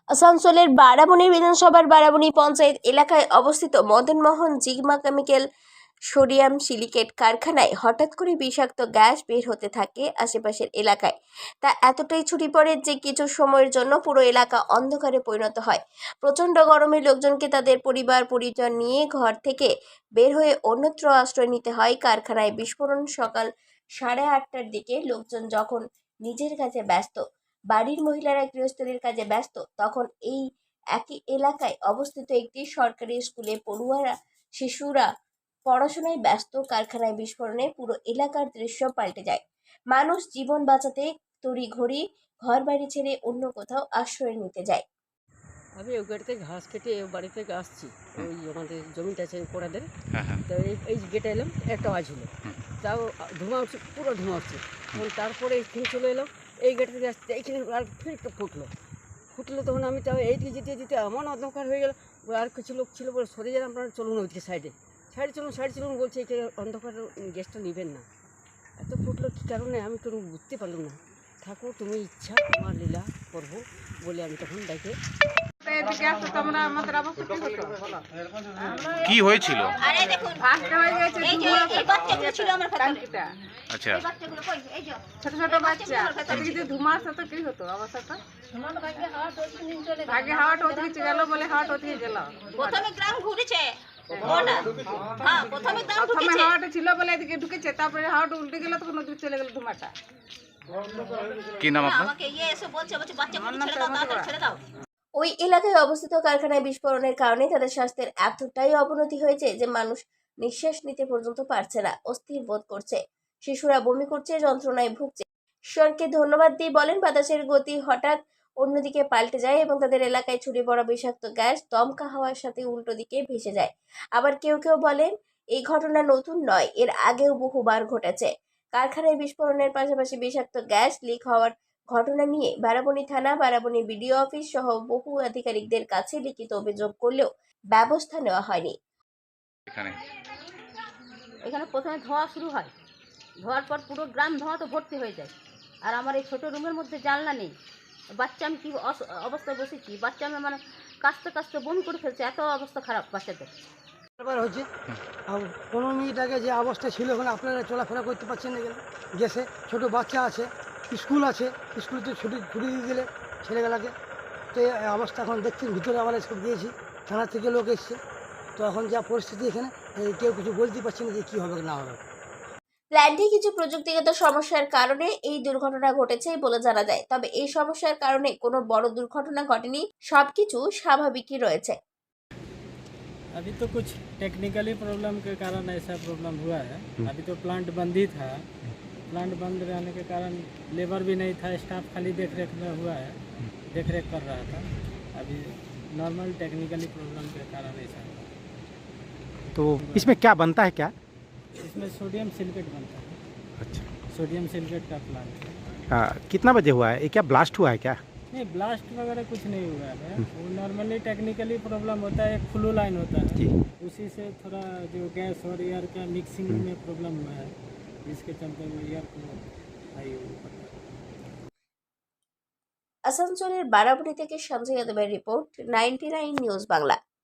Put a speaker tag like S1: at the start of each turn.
S1: আসানসোলের বারাবণী বিধানসভার বারাবণী পঞ্চায়েত এলাকায় অবস্থিত Madan Mohan Jigma chemical sodium silicate কারখানায় হঠাৎ করে বিষাক্ত গ্যাস বের হতে থাকে আশেপাশের এলাকায়। তা এতটাই ছড়িয়ে পড়ে যে কিছু সময়ের জন্য পুরো এলাকা অন্ধকারে পরিণত হয়। প্রচণ্ড গরমে লোকজনকে তাদের পরিবার পরিজন নিয়ে ঘর থেকে বের হয়ে অন্যত্র আশ্রয় নিতে হয়। কারখানায় বিস্ফোরণ সকাল 8:30টার দিকে। লোকজন যখন নিজের কাজে ব্যস্ত, বাড়ির মহিলারা গৃহস্থলীর কাজে ব্যস্ত, তখন এই একই এলাকায় অবস্থিত একটি সরকারি স্কুলে পড়ুয়ারা শিশুরা পড়াশোনায় ব্যস্ত। কারখানায় বিস্ফোরণে পুরো এলাকার দৃশ্য পাল্টে যায়। মানুষ জীবন বাঁচাতে তড়িঘড়ি ঘর বাড়ি ছেড়ে অন্য কোথাও আশ্রয় নিতে যায়।
S2: আমি ওই গাড়িতে ঘাস কেটে বাড়ি থেকে আসছি, ওই আমাদের জমিটা আছে কোড়াদের। তো এই গেটে এলাম, একটা আওয়াজ হলো, তাও ধোঁয়া উঠছে, পুরো ধোঁয়া উঠছে। তখন তারপরে এইখানে চলে এলাম, এই গেট থেকে আসতে এইখানে আর ফির একটা ফুটলো তখন আমি তাও এইদিকে যেতে যেতে এমন অন্ধকার হয়ে গেল। আর কিছু লোক ছিল বলে সরে গেলাম, আপনারা চলুন ওইদিকে সাইডে চলুন বলছে, এই অন্ধকার গ্যাসটা নেবেন না। এত ফুটলো কী কারণে আমি কোনো বুঝতে পারলাম না। ঠাকুর তুমি ইচ্ছা তোমার লীলা করবো বলে আমি তখন ডাকে
S3: কি হয়েছিল? আচ্ছা,
S4: ছোট ছোট বাচ্চা যদি ধুমার সাথে কি হতো অবস্থাটা? আগে হাওয়াটা ওদিকে গেল বলে হাওয়াটা ওদিকে গেল।
S5: প্রথমে গ্রাম ঘুরেছে, প্রথমে
S4: হাওয়াটা ছিল বলে এদিকে ঢুকেছে, তারপরে হাওয়াটা উল্টে গেল তখন ওদিকে চলে গেল ধুমাটা।
S3: কি নাম আপনার?
S5: আমাকে এসে বলছে বাচ্চাগুলো ছেড়ে দাও, তাড়াতাড়ি ছেড়ে দাও।
S1: ওই এলাকায় অবস্থিত কারখানায় বিস্ফোরণের কারণে তাদের স্বাস্থ্যের এতটাই অবনতি হয়েছে যে মানুষ নিঃশ্বাস নিতে পর্যন্ত পারছে না, অস্থির বোধ করছে। শিশুরা বমি করছে, যন্ত্রণায় ভুগছে। ঈশ্বরকে ধন্যবাদ দিয়ে বলেন, বাতাসের গতি হঠাৎ অন্যদিকে পাল্টে যায় এবং তাদের এলাকায় ছড়িয়ে পড়া বিষাক্ত গ্যাস দমকা হাওয়ার সাথে উল্টো দিকে ভেসে যায়। আবার কেউ কেউ বলেন, এই ঘটনা নতুন নয়, এর আগেও বহুবার ঘটেছে। কারখানায় বিস্ফোরণের পাশাপাশি বিষাক্ত গ্যাস লিক হওয়ার ঘটনা নিয়ে বারাবণী থানা, বারাবণী বিডিও অফিস সহ বহু আধিকারিকদের কাছে লিখিত অভিযোগ করলেও ব্যবস্থা নেওয়া হয়নি।
S5: এখানে প্রথমে ধোঁয়া শুরু হয়, ধোঁয়ার পর পুরো গ্রাম ধোঁয়া তো ভর্তি হয়ে যায়। আর আমার এই ছোটো রুমের মধ্যে জানলা নেই, বাচ্চা আমি কী অবস্থায় বসেছি, বাচ্চা আমি মানে কাঁচতে বমি করে ফেলছে, এত অবস্থা খারাপ বাচ্চাদের।
S6: ব্যাপার হচ্ছে 15 মিনিট আগে যে অবস্থা ছিল এখন আপনারা চলাফেরা করতে পারছেন না, গেলে গেছে ছোটো বাচ্চা আছে, স্কুল আছে, স্কুলতে ছুটি দিয়ে দিলে ছেলেবেলাকে। তো এই অবস্থা এখন দেখছেন, ভিতরে আমরা সব গিয়েছি, থানা থেকে লোক এসছে। তো এখন যা পরিস্থিতি এখানে, কেউ কিছু বলতে পারছে না যে কী হবে না হবে।
S1: প্ল্যান্টে কিছু প্রযুক্তিগত সমস্যার কারণে এই দুর্ঘটনা ঘটেছে বলে জানা যায়। তবে এই সমস্যার কারণে কোনো বড় দুর্ঘটনা ঘটেনি, সবকিছু স্বাভাবিকই রয়েছে।
S7: अभी तो कुछ टेक्निकली प्रॉब्लम के कारण ऐसा प्रॉब्लम हुआ है। अभी तो प्लांट बंद ही था, प्लांट बंद रहने के कारण लेबर भी नहीं था, स्टाफ खाली देख रेख में हुआ है, देख रेख कर रहा था। अभी नॉर्मल टेक्निकली प्रॉब्लम के कारण ऐसा हुआ।
S8: तो इसमें क्या बनता है क्या?
S7: इसमें सोडियम सिलिकेट बनता है।
S8: अच्छा,
S7: सोडियम सिलिकेट का प्लांट है।
S8: कितना बजे हुआ है? ये क्या ब्लास्ट हुआ है क्या?
S7: नहीं, ब्लास्ट वगैरह कुछ नहीं हुआ है। वो नॉर्मली टेक्निकली प्रॉब्लम होता है, एक फ्लो लाइन होता है
S8: जी।
S7: उसी से थोड़ा जो गैस और एयर का मिक्सिंग में प्रॉब्लम हुआ है, जिसके चलते वो एयर को हाई ऊपर।
S1: আসানসোলের বারাবণী থেকে সঞ্জয় যাদবের রিপোর্ট, 99 নিউজ বাংলা।